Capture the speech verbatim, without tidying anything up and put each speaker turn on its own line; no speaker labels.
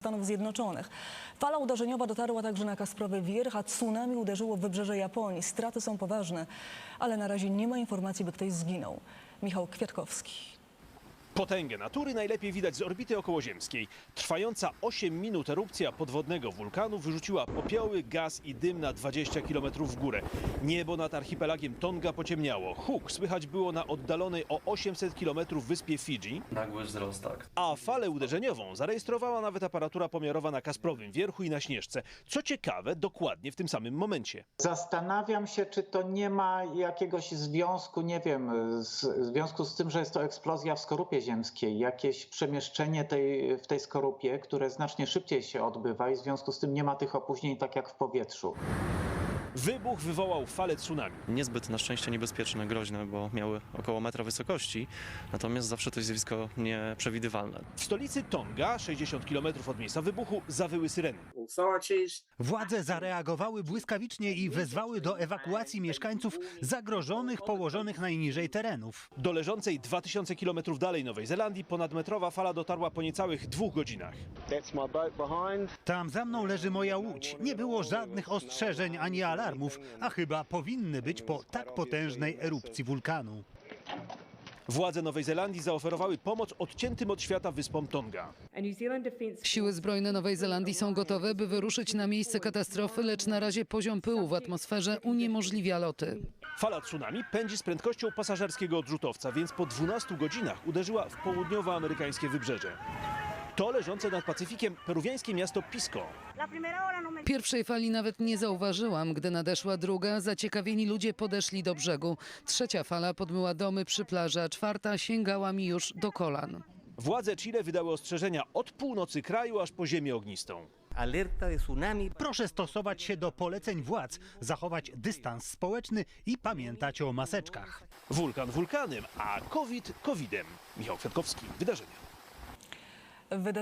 Stanów Zjednoczonych. Fala uderzeniowa dotarła także na Kasprowy Wierch, a tsunami uderzyło w wybrzeże Japonii. Straty są poważne, ale na razie nie ma informacji, by ktoś zginął. Michał Kwiatkowski.
Potęgę natury najlepiej widać z orbity okołoziemskiej. Trwająca osiem minut erupcja podwodnego wulkanu wyrzuciła popioły, gaz i dym na dwadzieścia kilometrów w górę. Niebo nad archipelagiem Tonga pociemniało. Huk słychać było na oddalonej o osiemset kilometrów wyspie Fidżi.
Nagły wzrost, tak.
A falę uderzeniową zarejestrowała nawet aparatura pomiarowa na Kasprowym Wierchu i na Śnieżce. Co ciekawe, dokładnie w tym samym momencie.
Zastanawiam się, czy to nie ma jakiegoś związku, nie wiem, z, w związku z tym, że jest to eksplozja w skorupie ziemskiej, jakieś przemieszczenie tej, w tej skorupie, które znacznie szybciej się odbywa i w związku z tym nie ma tych opóźnień tak jak w powietrzu.
Wybuch wywołał falę tsunami.
Niezbyt na szczęście niebezpieczne, groźne, bo miały około metra wysokości, natomiast zawsze to jest zjawisko nieprzewidywalne.
W stolicy Tonga, sześćdziesiąt kilometrów od miejsca wybuchu, zawyły syreny.
Władze zareagowały błyskawicznie i wezwały do ewakuacji mieszkańców zagrożonych, położonych najniżej terenów.
Do leżącej dwa tysiące kilometrów dalej Nowej Zelandii ponadmetrowa fala dotarła po niecałych dwóch godzinach.
Tam za mną leży moja łódź. Nie było żadnych ostrzeżeń ani alarmów, a chyba powinny być po tak potężnej erupcji wulkanu.
Władze Nowej Zelandii zaoferowały pomoc odciętym od świata wyspom Tonga.
Siły zbrojne Nowej Zelandii są gotowe, by wyruszyć na miejsce katastrofy, lecz na razie poziom pyłu w atmosferze uniemożliwia loty.
Fala tsunami pędzi z prędkością pasażerskiego odrzutowca, więc po dwunastu godzinach uderzyła w południowoamerykańskie wybrzeże. To leżące nad Pacyfikiem peruwiańskie miasto Pisco.
Pierwszej fali nawet nie zauważyłam. Gdy nadeszła druga, zaciekawieni ludzie podeszli do brzegu. Trzecia fala podmyła domy przy plaży, a czwarta sięgała mi już do kolan.
Władze Chile wydały ostrzeżenia od północy kraju aż po ziemię ognistą.
Alerta de tsunami.
Proszę stosować się do poleceń władz, zachować dystans społeczny i pamiętać o maseczkach.
Wulkan wulkanem, a COVID covidem. Michał Kwiatkowski, Wydarzenia.